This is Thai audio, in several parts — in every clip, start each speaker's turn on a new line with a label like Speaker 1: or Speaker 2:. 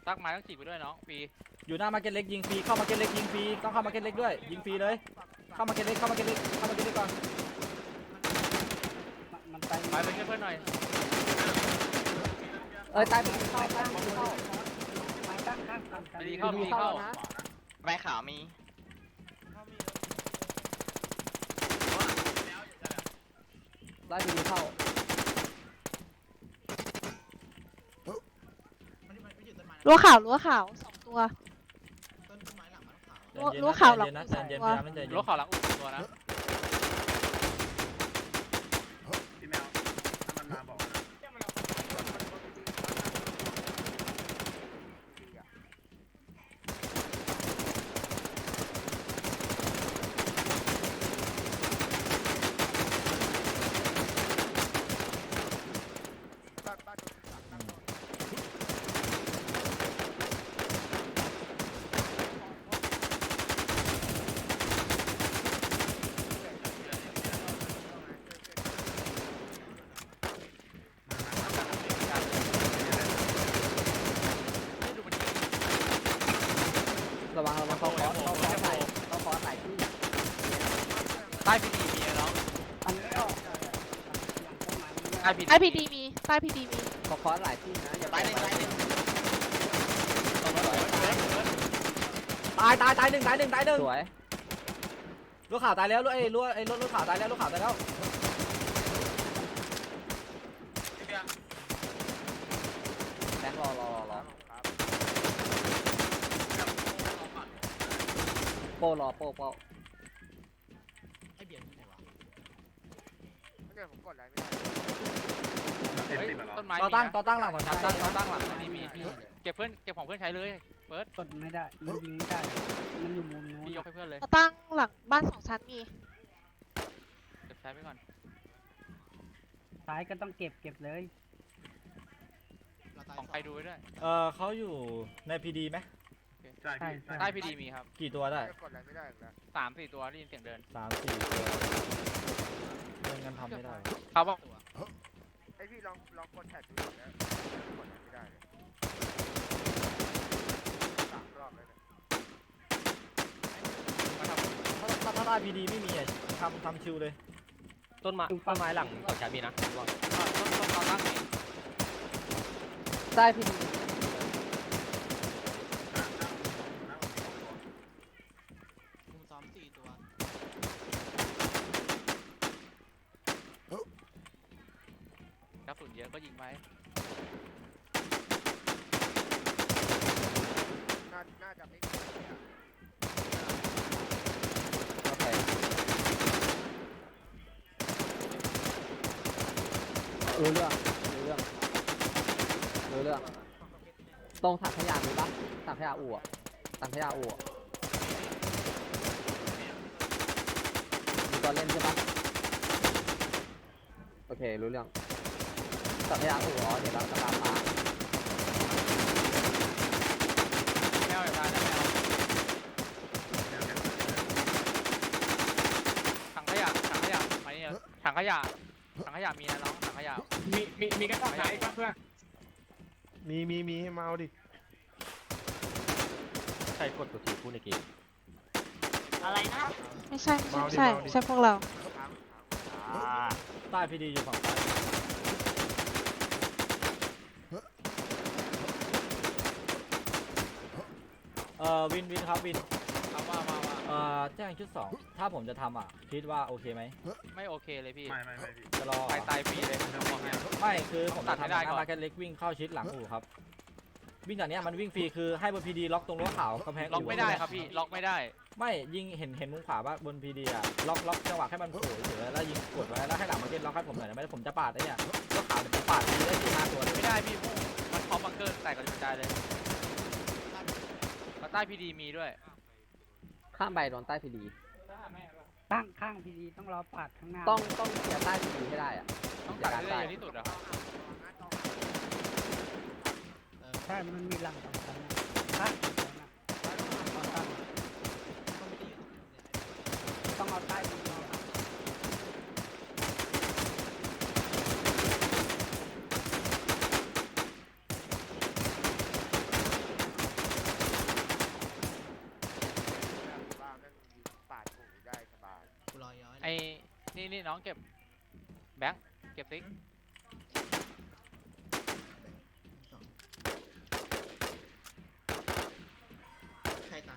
Speaker 1: ตักไม้ต้องจีบไปด้วยน้องฟรี
Speaker 2: อยู่หน้ามาร์เก็ตเล็กยิงฟรีเข้ามาร์เก็ตเล็กยิงฟรีต้องเข้ามาร์เก็ตเล็กด้วยยิงฟรีเลยเข้ามาร์เก็ตเล็กก่อน
Speaker 3: มันไป
Speaker 1: ไปช่วยเพื่อนหน่อย
Speaker 3: ตายไปเข้าตั้งเข้าไม้ตั้ง
Speaker 1: ไปดีเข้าดีเข้า
Speaker 4: ไม้ขาวมี
Speaker 3: ไล่ไปดีเข้า
Speaker 5: รั้วขาว2 ตัวรั้วขาวหลัง
Speaker 2: นะ
Speaker 5: สอง
Speaker 2: เย็น
Speaker 5: ตัว
Speaker 2: ๆใจเย็น
Speaker 1: รถข่าวหลังอุ่นตัวนะ
Speaker 6: พี่แมวถ้ามันมาบอกนะ
Speaker 3: ระวังเขาคอสไหลที่
Speaker 1: ใต้พีดีมีน้อง
Speaker 3: อันนี้ก็
Speaker 1: ใต้พี
Speaker 5: ใต้พีดีมี
Speaker 3: เขาคอสไหลที่นะอย่า
Speaker 4: ตายหนึ่งตายหนึ่ง
Speaker 2: ตายหนึ่ง
Speaker 3: สวย
Speaker 2: ลูกข่าวตายแล้วลูกข่าวตายแล้ว
Speaker 3: แบงค์รอโป้รอโป้
Speaker 6: เอ็มสิบมาหรอ
Speaker 1: ต้นไม้
Speaker 2: ต่อตั้งหลังของฉัน
Speaker 1: ตั้งหลังนี่มีเก็บของเพื่อนใช้เลยเฟิร์ส
Speaker 3: กดไม่ได้มันยิงไม่ได้มันอยู่มุมนู้น
Speaker 1: พี่ยกให้เพื่อนเลย
Speaker 5: ตั้งหลังบ้าน2 ชั้นมี
Speaker 1: เก็บใช้ไปก่อน
Speaker 3: ซ้ายก็ต้องเก็บเลย
Speaker 1: ของใครดูไว้ด้วย
Speaker 2: เขาอยู่ในพีดีไหม
Speaker 6: ใช่พี่
Speaker 1: ใต้พีดีมีครับ
Speaker 2: กี่ตัวได้
Speaker 1: 3-4 ตัวได้ยินเสียงเดิน
Speaker 2: 3-4ตัวไม่งั้นทำไม่ได้
Speaker 1: เขาบอก
Speaker 7: ไอพี่ลองกดแท็บดูนะกดไม่ได้เลย3 รอบเลยเนี่ย
Speaker 2: ถ้าได้พีดีไม่มีทำชิวเลย
Speaker 8: ต้นไม้หลังต่อจากมีนะ
Speaker 1: ต้นตั้งมี
Speaker 3: ใต้พี่
Speaker 1: กระสุนเยอะก็ยิงไป
Speaker 7: น่าจะไม่
Speaker 3: โอเครู้เรื่องตรงถังขยะมีปะถังขยะอู่มีตัวเล่นใช่ปะโอเครู้เรื่องถังขยะอู่เดี๋ยวเราจะตามมา
Speaker 1: แมวอย่าตายนะแมวถังขยะมานี่ถังขยะมีนะน้องถังขยะ
Speaker 6: มีกระต่ายป่ะเพื่อนมีให้มาเอาดิ
Speaker 8: ใครกดตัวทีพูดในเกม
Speaker 5: ไม่ใช่พวกเรา
Speaker 2: ใต้พีดีอยู่ฝั่งซ้ายวินครับวิน
Speaker 1: ครับว่า
Speaker 2: แจ้งชุด 2ถ้าผมจะทำคิดว่าโอเคไหม
Speaker 1: ไม่โอเคเลยพี่
Speaker 6: ไม่พี่
Speaker 2: จะรอ
Speaker 1: ตายฟรีเลยผมบอกให้
Speaker 2: ไม่คือผม
Speaker 1: ตั
Speaker 2: จะ
Speaker 1: ดไม่
Speaker 2: ทำ
Speaker 1: ได้
Speaker 2: ห
Speaker 1: ก่อน
Speaker 2: น้ามาร์เก็ตเล็กวิ่งเข้าชิดหลังอู่ครับวิ่งจากเนี้ยมันวิ่งฟรีคือให้บนพีดีล็อกตรงรั้วขาวกำแพง
Speaker 1: ล็อกไม่ได้ครับพี่ล็อกไม่ได้
Speaker 2: ไม่ยิงเห็นมุมขวาว่าบนพีดีล็อกจังหวะให้มันโผล่เฉยแล้วยิงกดไว้แล้วให้หลังมาร์เก็ตล็อกให้ผมหน่อยไม่ได้ผมจะปาดไอ้เนี่ยรั้วขาวเดี๋ยวผมปาดทีได้4-5 ตัวเลย
Speaker 1: ไม่ได้พี่มันพร้อมบังเกอร์แตกกระจายเลยใต้พีดีมีด้วย
Speaker 3: ข้ามไปโดนใต้พีดี
Speaker 9: ตั้งข้างพีดีต้องรอปัดข้างหน้า
Speaker 3: ต้องเคลียร์ใต้พีดีให้ได้อะ
Speaker 1: ต้องตัดให้ได้เยอะที่สุดอะ
Speaker 9: ใช่มันมีหลัง2 ชั้นนะข้าง2 ชั้นนะต้องเอาใต้พีดีอะ
Speaker 1: น้องเก็บแบงค์เก็บซิก
Speaker 4: ใครตาย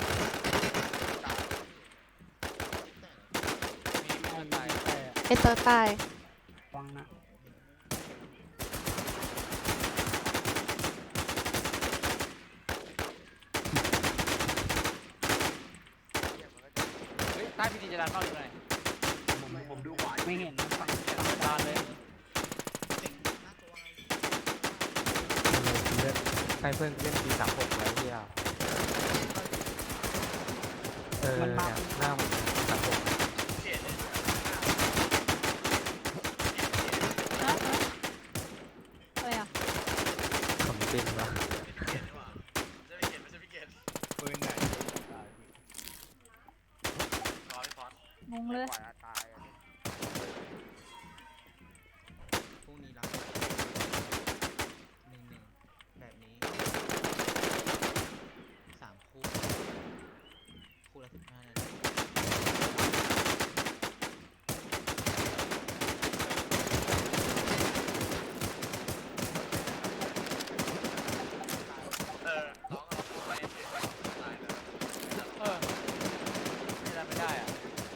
Speaker 1: มีเพื่อนตาย
Speaker 5: เอเตอร์ตาย
Speaker 9: ฟังนะ
Speaker 1: เฮ้ยใต้พีดีจะดันเข้าหรือไง
Speaker 4: ผมดูขวา
Speaker 9: ไม่เห็นนะฟัง
Speaker 1: ดันเลย
Speaker 4: เต็งหน้าตัว
Speaker 3: ให้เพื่อนเล่นปี36ไว้เหี้ย
Speaker 9: มันมา
Speaker 3: หน้ามัน36
Speaker 5: อะไรอ่ะ
Speaker 3: ผมจริงนะ
Speaker 4: ปืนไหน
Speaker 5: งงเลย
Speaker 7: ปล่อยตายอะ
Speaker 4: พรุ่งนี้รับ1-1แบบนี้3คู่คู่ละ15 นาที
Speaker 1: เออไม่ดันไม่ได้อะ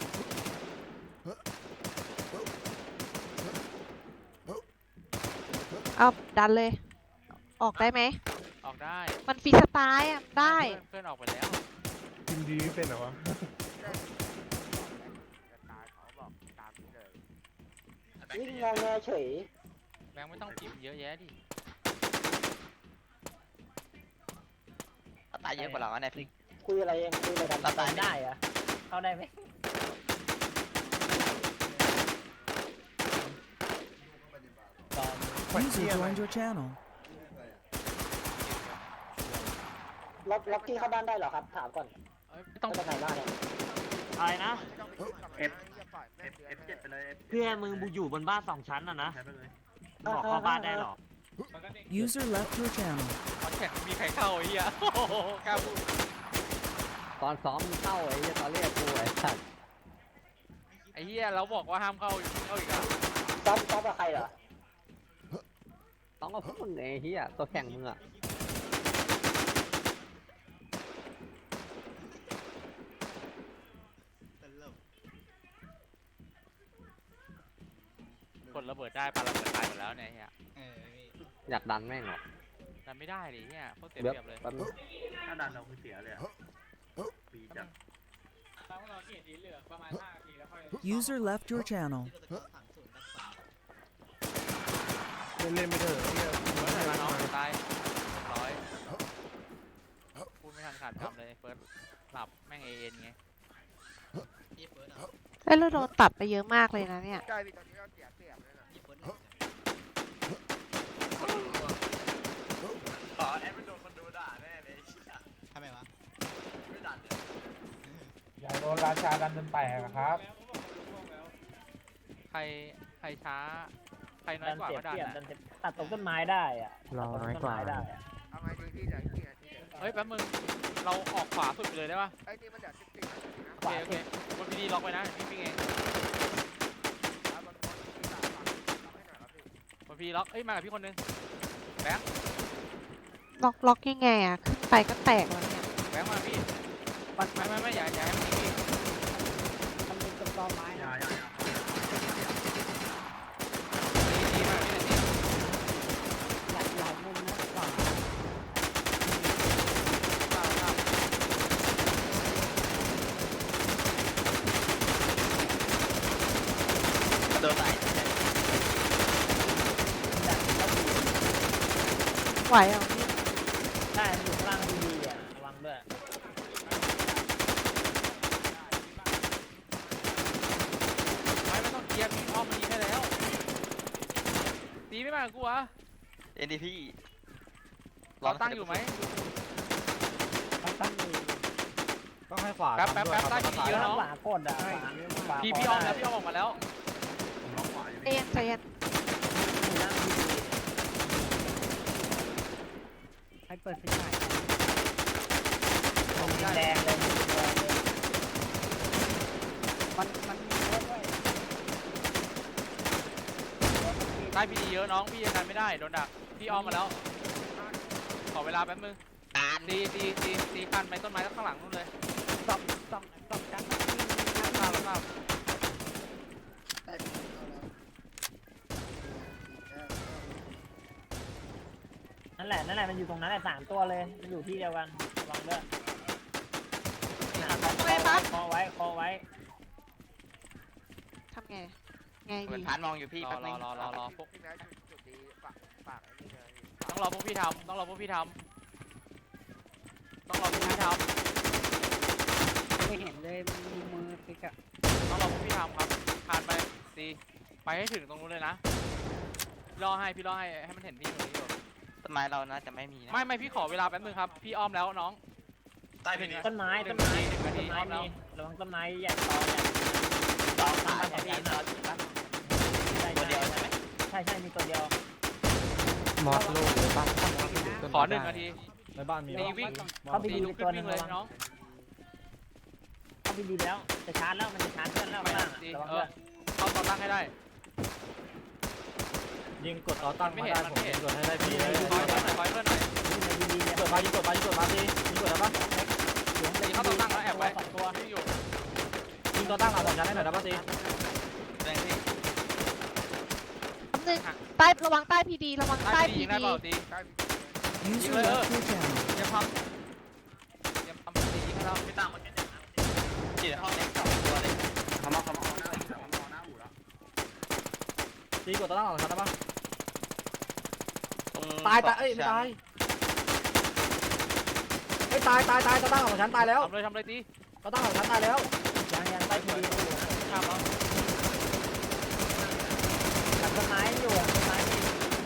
Speaker 5: เอาดันเลย ออกได้ไหม
Speaker 1: ออกได้
Speaker 5: มันฟรีสไตล์อ่ะได้
Speaker 1: เพื่อนออกไปแล้ว
Speaker 6: ทีมดีไม่เป็นเหรอวะ
Speaker 7: จะตายเขาบอกตามนี้เลย
Speaker 3: วิ่งงงเฉย
Speaker 1: แบงค์ไม่ต้องพิมพ์เยอะแยะดิ
Speaker 8: ตายเยอะกว่าเราเนี่ยพี่
Speaker 3: คุยอะไรเองคุยอะไรกัน
Speaker 8: ตายได้
Speaker 3: อะเข้าได้ไหม
Speaker 10: User joined your channel.
Speaker 3: ล็อกกี้เข้าบ้านได้เหรอครับถามก่อน
Speaker 1: เอ้ยไม่ต้อง
Speaker 3: จะไหนบ้านเนี่ย
Speaker 4: อะไรนะ
Speaker 7: F7 ไปเลย
Speaker 4: เพื่อนมึงอยู่บนบ้าน2 ชั้นนะบอกเข้าบ้านได้หรอ
Speaker 10: User left your channel.
Speaker 1: คอนแข่งมีใครเข้าไอ้เหี้ย โอ้โหกล้าพูด
Speaker 3: ตอนซ้อมเข้าไอ้ตอนเรียกกูไอ้สัตว์
Speaker 1: ไอ้เหี้ยเราบอกว่าห้ามเข้าเข้าอีกอ่ะ
Speaker 3: ซ้อมกับใครเหรอต้องกับพวกมึงไอ้เหี้ยตัวแข่งมึงอ่ะ
Speaker 1: กดระเบิดได้ปาระเบิดตายหมดแล้วเนี่ยไอ้เหี้ย
Speaker 3: อยากดันแม่งเหรอ
Speaker 1: ดันไม่ได้ดิเหี้ยโคตรเสีย
Speaker 3: เดี๋ยว
Speaker 1: เปรียบเลย
Speaker 3: แป๊บนึง
Speaker 4: ถ้าดันเราคือเสียเลยอ่ะปีจัง
Speaker 10: User left your channel.
Speaker 6: เล่นไม่ได้เหรอเนี่ย
Speaker 1: เฟิร์สอะไรมาน้องตาย100พูดไม่ทันขาดคำเลยเฟิร์สหลับแม่งเอ็นไง
Speaker 5: เอ้ยเราโดนตัดไปเยอะมากเลยนะเนี่ย
Speaker 7: ใช่พี่ตอนนี้เราเสียเปรียบเลยนะ
Speaker 4: ทำไมวะ
Speaker 2: อย่าโดนราชาดันจนแตกครับ
Speaker 1: ใครช้าใครน้อยกว่าก็ดันอะ
Speaker 3: ตัดตรงต้นไม้ได้อ่ะ
Speaker 9: รอน้อยกว่า
Speaker 7: เอาไงดีพี่เหลืออีกกี่นาทีเดี๋ยว
Speaker 1: เฮ้ยแป๊บมึงเราออกขวาสุดไปเลยได้ปะ
Speaker 7: ไอ้นี่มันเหลือ14 นาทีนะ
Speaker 1: โอเคโอเคบนพีดีล็อกไว้นะพี่เอง
Speaker 7: แล้วบนบนที่สามฝั่งทำให้หน่อยครับพี่
Speaker 1: บนพีล็อกเอ้ยมากับพี่คนนึงแบงค์
Speaker 5: ล็อกยังไงอ่ะ ขึ้นไปก็แตกแล้วเนี่ย
Speaker 1: แบงค์มาพี่ไม่อย่าให้มันยิงพี่
Speaker 9: มันเป็นต้นตอไม้นะ
Speaker 1: ดีมากพี่เลย
Speaker 9: หลายมุมนะขวา
Speaker 8: โดนตาย
Speaker 5: ไหวเหรอพี่
Speaker 3: ได้อยู่ข้างล่างดีอ่ะระวังด้วย
Speaker 1: ไม่ต้องเคลียร์พี่อ้อมมันยิงได้แล้วตีไม่มากับกูวะ
Speaker 8: เอ็นดีพี่
Speaker 1: เราตั้งอยู่ไหม
Speaker 9: ตั้งอยู่
Speaker 2: ต้องให้ขวา
Speaker 1: แป๊บตั้งดีๆแล้วเนาะ
Speaker 3: ขวากดอ่ะขวา
Speaker 1: พี่อ้อมแล้วพี่อ้อมออกมาแล้ว
Speaker 5: ใจเย็นใจเย็น
Speaker 9: ให้เปิดไฟฉาย
Speaker 3: แดงเลย
Speaker 9: มันมีรถด้วย
Speaker 1: ใต้พีดีเยอะน้องพี่ยังกันไม่ได้โดนดักพี่อ้อมมาแล้วขอเวลาแป๊บนึงตีกันไปต้นไม้ข้างหลังนู่นเลย
Speaker 9: สองชั้น
Speaker 1: ทราบทราบ
Speaker 9: นั่นแหละมันอยู่ตรงนั้นแหละ3 ตัวเลยมันอยู่ที่เดียวกันระวังด้วย
Speaker 5: ทำไมปั๊บ
Speaker 9: คอไว้
Speaker 5: ทำไงไง
Speaker 8: เหมือ
Speaker 5: ดี
Speaker 8: นพานมองอยู่พี่แป๊บนึง
Speaker 1: รอพวก
Speaker 7: พี่แม็กจุดดีฝากไอ้นี่เลย
Speaker 1: ต้องรอพวกพี่ทำต้องรอพวกพี่ทำ
Speaker 9: ไม่เห็นเลยมือติ๊กอะ
Speaker 1: ต้องรอพวกพี่ทำครับผ่านไปตีไปให้ถึงตรงนู้นเลยนะพี่รอให้มันเห็นพี่ตรงนี้อยู่
Speaker 8: ต้นไม้เราน่าจะไม่มีนะ
Speaker 1: ไม่พี่ขอเวลาแป๊บนึงครับพี่อ้อมแล้วน้อง
Speaker 8: ใต้พีดี
Speaker 9: ต้นไม้
Speaker 1: หนึ่
Speaker 9: มี
Speaker 1: งนาที
Speaker 9: ระวังต้นไม้ใหญ่ตอ
Speaker 8: ตายพี่ตอน ตัวเดียวใช่ไหม
Speaker 9: ใช่มีตัวเดียว
Speaker 2: มอสลูกหรือบ้าน
Speaker 1: ขอ1 นาที
Speaker 2: ในบ้านมี
Speaker 1: ตีวิ่ง
Speaker 9: เข้าไป
Speaker 1: ตี
Speaker 9: ดี
Speaker 1: ลุก
Speaker 9: ตัว
Speaker 1: ขึ้น
Speaker 9: หนึ
Speaker 1: วิ่
Speaker 9: ง
Speaker 1: งเลยน้อง
Speaker 9: เข้าไปดีแล้วจะชาร์จแล้วมันจะชาร์จเพื่อนแล้ว
Speaker 1: ไป
Speaker 9: บ้าง
Speaker 1: ตี
Speaker 9: ระวังด้วย
Speaker 1: เข้าตอนตั้งให้ได้
Speaker 2: ยิงกดต่อตั้งมาได้ผมยิงกดให้ได้พี่เลย
Speaker 1: คอยเพื่อนหน่อย
Speaker 9: ดีๆ
Speaker 2: ยิงกดมายิงกดมาตียิงกดได้ปะ
Speaker 1: ตีเข้าตอนตั้งแล้วแอบไว้
Speaker 9: 2 ตัว
Speaker 1: พี่อยู่
Speaker 2: ยิงต่อตั้งเอาสองชั้นให้หน่อยได้ปะตี
Speaker 8: แรงพี่
Speaker 5: นึงใต้ระวังใต้พีดีระวัง
Speaker 1: ใต้
Speaker 5: ใต้
Speaker 1: พี
Speaker 5: พี
Speaker 1: ยิงได้
Speaker 5: ดี
Speaker 1: เปล่าตี
Speaker 7: ใกล้
Speaker 10: User
Speaker 1: User
Speaker 10: left your channel.
Speaker 1: เตรียมทำตียิงให้เรา
Speaker 8: ไม่ต่างมันจีห้องเล็ก2 ตัวเลย
Speaker 2: ตีกดต่อตั้งเอาสองชั้นได้ปะ
Speaker 8: ตรง
Speaker 2: ตายเอ้ยไม่ตายไม่ตายต่อตั้งเอาสองชั้นตายแล้ว
Speaker 1: ทำเลยตี
Speaker 2: ต่อตั้งเอาสองชั้นตายแล้ว
Speaker 9: ยังใต้ทีดี
Speaker 1: ข้ามแล้ว
Speaker 9: กับต้นไม้อยู่ต้นไม้ที่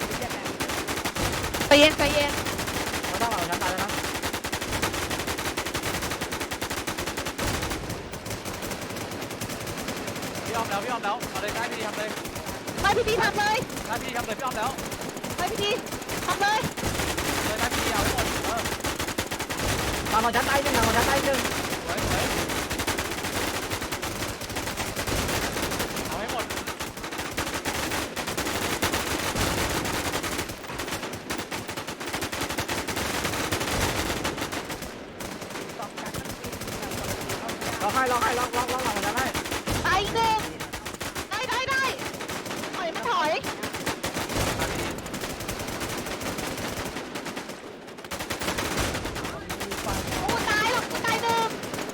Speaker 5: ใจเย็น
Speaker 2: ต่อตั้งเอาสองชั้นตายแล้วนะ
Speaker 1: พี่อ้อมแล้วเอาเลยใต้พีทำเลย
Speaker 5: ใต้พีดีทำเลย
Speaker 1: ใต้พีทำเลยพี่อ้อมแล้ว
Speaker 5: ใต้พีดีทำเลย
Speaker 1: เลยใต้พีเอาให้หมด
Speaker 2: ตามเอาชั้นตายหนึ่งเอาชั้นตายหนึ่ง
Speaker 1: สวยเอาให้หมด
Speaker 2: ล็อกหลังชั้นให้
Speaker 5: ตายอีกหนึ่งได้ถอยไม่ถอยกูตายหรอกกูตายหนึ่ง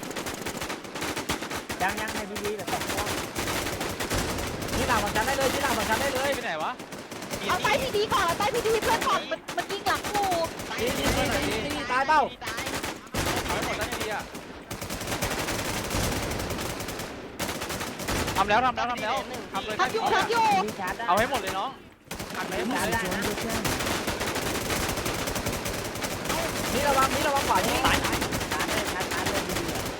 Speaker 9: ยังในทีดีแบบ2 ตัว
Speaker 2: ที่หลังชั้นได้เลยที่หลังชั้นได้เลย
Speaker 1: ไปไหนวะ
Speaker 5: เอาใต้พีดีก่อนเอาใต้พีดีเพื่อนก่อนมันยิงหลังกู
Speaker 2: ตีตายเปล่า
Speaker 1: เอาให้หมดใต้พีอ่ะทำเลยใต้
Speaker 5: ทำอยู่
Speaker 9: ดีชาร์จได้
Speaker 1: เอาให้หมดเลยน้องอัดไปให้หมด
Speaker 10: User
Speaker 1: เลย
Speaker 10: joined your channel.
Speaker 2: นี่ระวังขวายิง
Speaker 9: ชาร์จเลยดี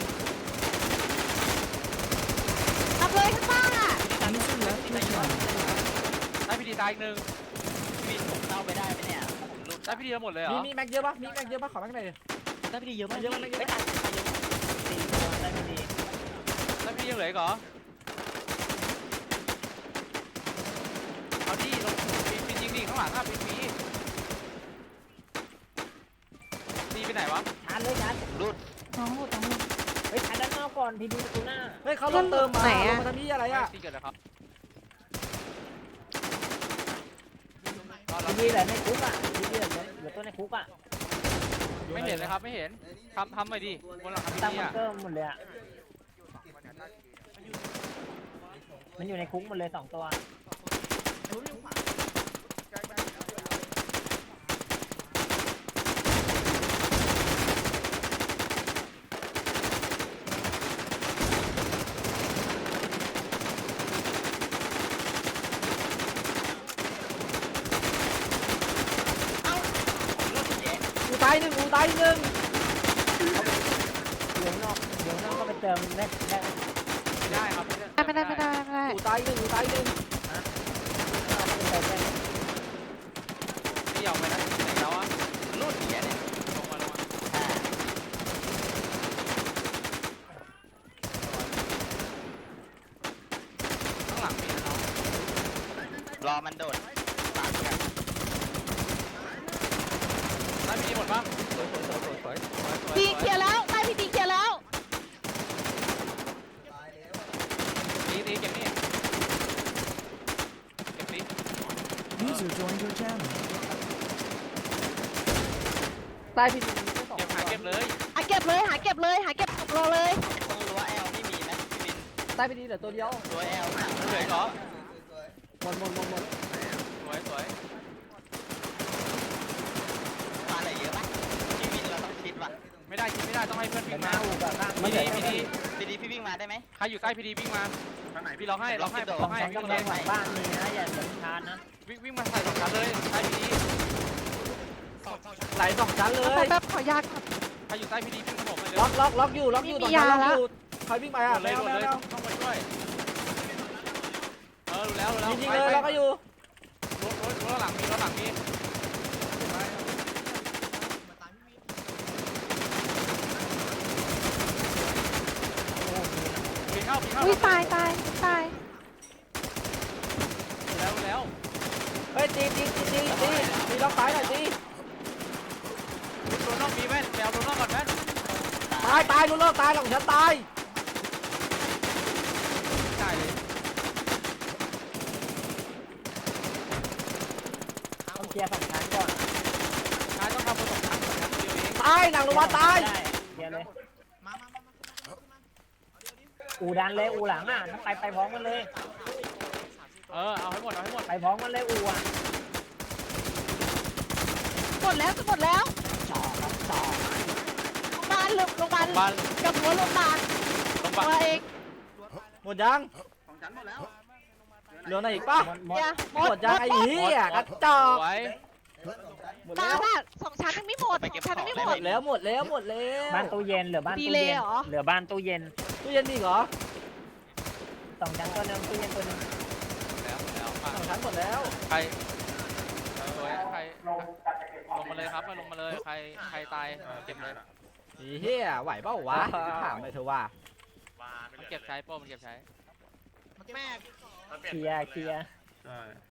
Speaker 5: ทำเลยข้างล่างอ่ะ
Speaker 10: User left your channel.
Speaker 1: ใต้พีดีตายอีกหนึ่ง
Speaker 8: พี่ผมเข้าไปได้ไหมเนี่ยผมลุก
Speaker 1: ใต้พีดีหมดเลยเหรอ
Speaker 2: มีแม็กเยอะปะขอแม็กหน่อย
Speaker 8: ได้พี่ดีเยอะมาก
Speaker 2: เยอะมาก
Speaker 9: 4 ตัวได้ไม่ดี
Speaker 1: ใต้พีดียังเหลืออีกเหรอเอาดิลงปีนยิงดิข้างหลังอ่ะปีนตีไปไหนวะ
Speaker 9: ชาร์จเลยชาร์จ
Speaker 8: รูด
Speaker 9: เฮ้ยชาร์จด้านนอกก่อนทีดีประตูหน้า
Speaker 2: เฮ้ยเขาลงเติมมาลงมาทำนี่อะไรอ่ะ
Speaker 1: ตีเกิดอะไรครับ
Speaker 9: ทีดีเหลือในคุกอ่ะทีดีเหลือตัวในคุกอ่ะ
Speaker 1: ไม่เห็นเลยครับไม่เห็นทำหน่อยดิบนหลังคาพี
Speaker 9: ตั้ง
Speaker 1: ดี
Speaker 9: บัง
Speaker 1: อ่ะ
Speaker 9: เกอร์หมดเลยอ่ะ
Speaker 7: อยู่2 คนเนี่ยใต้พีดี
Speaker 9: มันอยู่ในคุกหมดเลย2 ตัว
Speaker 7: ใกล้
Speaker 2: กูตายหนึ่ง
Speaker 9: เดี๋ยวนอกก็ไปเติมได้
Speaker 1: ไม่ได้ครับ
Speaker 5: ไม่ได้
Speaker 2: กูตายหนึ่ง
Speaker 9: ไปเติมได้
Speaker 1: ตีออกไปนะไหนแล้วอ่ะ
Speaker 8: รูดเหี้ยเนี่ย
Speaker 1: ลงมาข้างหลังมีนะน้อง
Speaker 8: รอมันโดด
Speaker 1: ดีหมดป่ะ
Speaker 3: สวย
Speaker 5: ดีเคลียร์แล้วใต้พี่ดีเคลียร์แล้ว
Speaker 1: ตีเก็บนี่เก็บนี่
Speaker 10: User joined your channel.
Speaker 3: ใต้พี่ดีมีแค่สอง
Speaker 1: เก็บเลย
Speaker 5: หาเก็บเลยหาเก็บเลยหาเก็บรอเลย
Speaker 8: ตรงรั้วแอลไม่มีไหมพี่วิน
Speaker 3: ใต้พี่ดีเหลือตัวเดียว
Speaker 8: รั้วแอลหนัก
Speaker 1: เหลือเหรอ
Speaker 3: หมด
Speaker 1: สวย
Speaker 8: มาอะไรเยอะปะพี่วินเราต้องคิดว่ะ
Speaker 1: ไม่ได้ต้องให้เพื่อน
Speaker 9: เป็
Speaker 1: วิ่
Speaker 9: น
Speaker 1: ง
Speaker 9: หน้า
Speaker 1: มา
Speaker 9: อูแบบข้าง
Speaker 1: พีดี
Speaker 8: พี่วิ่งมาได้ไหม
Speaker 1: ใครอยู่ใต้พีดีวิ่งมา
Speaker 6: ทางไหน
Speaker 1: พี่ล็อกให้
Speaker 9: สอง
Speaker 1: วิ่
Speaker 9: ชั้น
Speaker 1: ง
Speaker 9: กำลังหลังบ้านมีนะอย่าเดินชาร์จนะ
Speaker 1: วิ่งมาใส่สองชั้นเลยใต้พีดี
Speaker 2: ไหลสองชั้นเลย
Speaker 5: แป๊บขอยาก่อน
Speaker 1: ใครอยู่ใต้พีดีวิ่งขนมเลย
Speaker 2: ล็อกอยู่
Speaker 5: ไม่
Speaker 2: ต
Speaker 5: มี
Speaker 2: รง
Speaker 5: ยา
Speaker 2: นั้นล็อก
Speaker 5: แล้ว
Speaker 2: อยู่ใครวิ่งไปอ่ะ
Speaker 1: เลย
Speaker 2: แมว
Speaker 1: ต้องมาช่วยรู้แล้ว
Speaker 2: ยิงเลยล็อกก็อยู่
Speaker 1: รถหลังมี ปีเข้า
Speaker 5: อุ้ยตาย
Speaker 1: แล้ว
Speaker 2: เฮ้ยตีล็อกซ้ายหน่อยตี
Speaker 1: โดนนอกมีแว่นแมวโดนนอกก่อนแว่น
Speaker 2: ตายลุ้นรอดตายหลังฉันตาย
Speaker 1: จ่ายเลย
Speaker 9: ต้องเคลียร์สองชั้นก่อน
Speaker 1: นายต้องทำประสบการณ์เดียวเอง
Speaker 2: ตายหลังลงมาตาย
Speaker 9: เคลียร์เลยอูดันเลยอูหลังอ่ะต้องไปพร้อมกันเลย
Speaker 1: เอาให้หมด
Speaker 9: ไปพร้อมกันเลยอูอ่ะ
Speaker 5: หมดแล้วจะหมดแล้วโรงพยาบาล
Speaker 1: บ้าน
Speaker 5: กับหัวโรงพยาบาลตัวเอง
Speaker 2: หมดยังเหลือไหนอีกป่ะ
Speaker 9: หมด
Speaker 5: อย่าหม
Speaker 2: หม
Speaker 5: ด
Speaker 2: ดยังไอ้เหี้ยกระจอก
Speaker 1: สวย
Speaker 2: หมด
Speaker 5: ตา
Speaker 2: แล้ว
Speaker 5: บ้านสองชั้นยังไม่หมดสองชั้นยังไม่ห
Speaker 2: ห
Speaker 5: ม
Speaker 2: ม
Speaker 5: ด
Speaker 2: ดแล้ว
Speaker 9: บ้านตู้เย็นเหลือบ้านตู้
Speaker 5: ดีเลย
Speaker 9: เย็น
Speaker 5: เหรอ
Speaker 9: เหลือบ้านตู้เย็น
Speaker 2: ตู้เย็นมีเหรอ
Speaker 9: สองชั้นตัวนึงตู้เย็นตัวนึง
Speaker 1: แล้ว
Speaker 2: สองชั้นหมดแล้ว
Speaker 1: ใครสวยใครลงมาเลยครับลงมาเลยใครตายเก็บเลย
Speaker 2: ไอ้เหี้ยไหวเปล่าวะถามไปเถอะว่า
Speaker 1: มันเก็บใช้โป้มันเก็บใช้
Speaker 9: เคลียร์
Speaker 6: ใช่